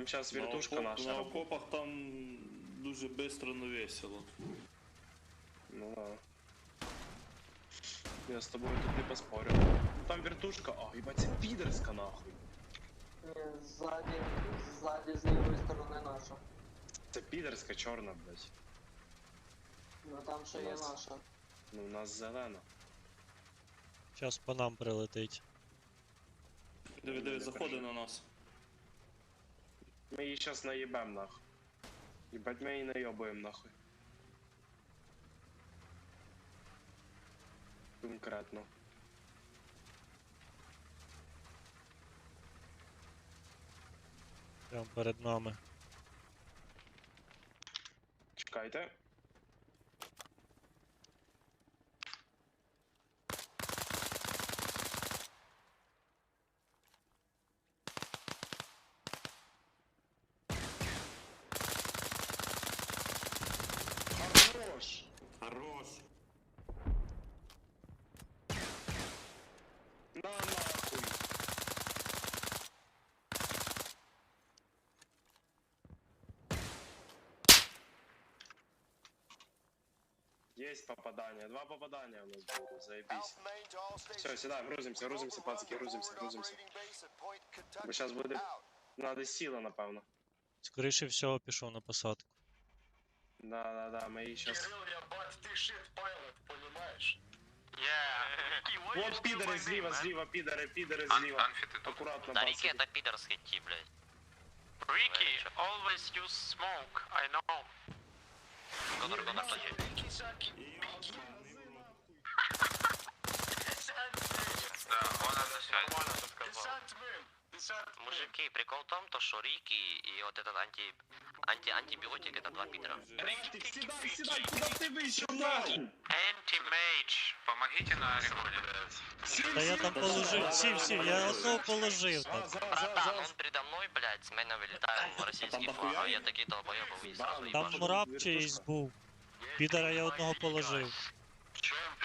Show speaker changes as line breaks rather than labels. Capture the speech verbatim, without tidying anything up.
зараз
На
вертушка
окоп-
наша.
На
робить.
окопах там дуже швидко, но весело.
Ну да. Я з тобою тут не поспорю. Ну там вертушка, а, їбать, це підерська нахуй.
Е, Ззаді, ззаді з лівої сторони наша.
Це підерська чорна, блядь.
Ну там ще є
Нас.
наша.
Ну в нас зелена.
Щас по нам прилетить.
Диви, диви, заходить на нас.
Ми її зараз наїбем нахуй. Їбать, ми її наїбуємо нахуй. Конкретно.
Прям перед нами.
Чекайте. Хорош!
Хорош!
На нахуй! Есть попадание. Два попадания у нас будет, заебись. Все, сюда, грузимся, грузимся, пацки, грузимся, грузимся. Бо сейчас буде... Надо сила, напевно.
Скоріше всього пішов на посадку.
Да, да, да, мы сейчас... Вот пидоры слева, слева, пидоры, пидоры слева. Аккуратно,
Да, Рики
пацки.
это пидорский тип, блядь.
Ricky, always use smoke, I know.
Гонор, гонор, плачи.
Да, он на связи. Нормально сказал.
Мужики, прикол в том, то, что Рики и вот этот анти... анти... антибиотик это два пидора.
Рантик, седай, седай, куда ты вышел, нахуй?
Anti-mage, помогите на Ореголе.
Та я там положив, сів, сів, я одного положив
За,
там.
за, за,
Братан, он
за.
передо мной, блядь, с меня вылетаем в российский
там
флаг, а
дохуя
я
их?
такие долбоёбы и сразу
Да,
Там
ебашу.
мурап чиїсь був. Підара я одного положив.
В чем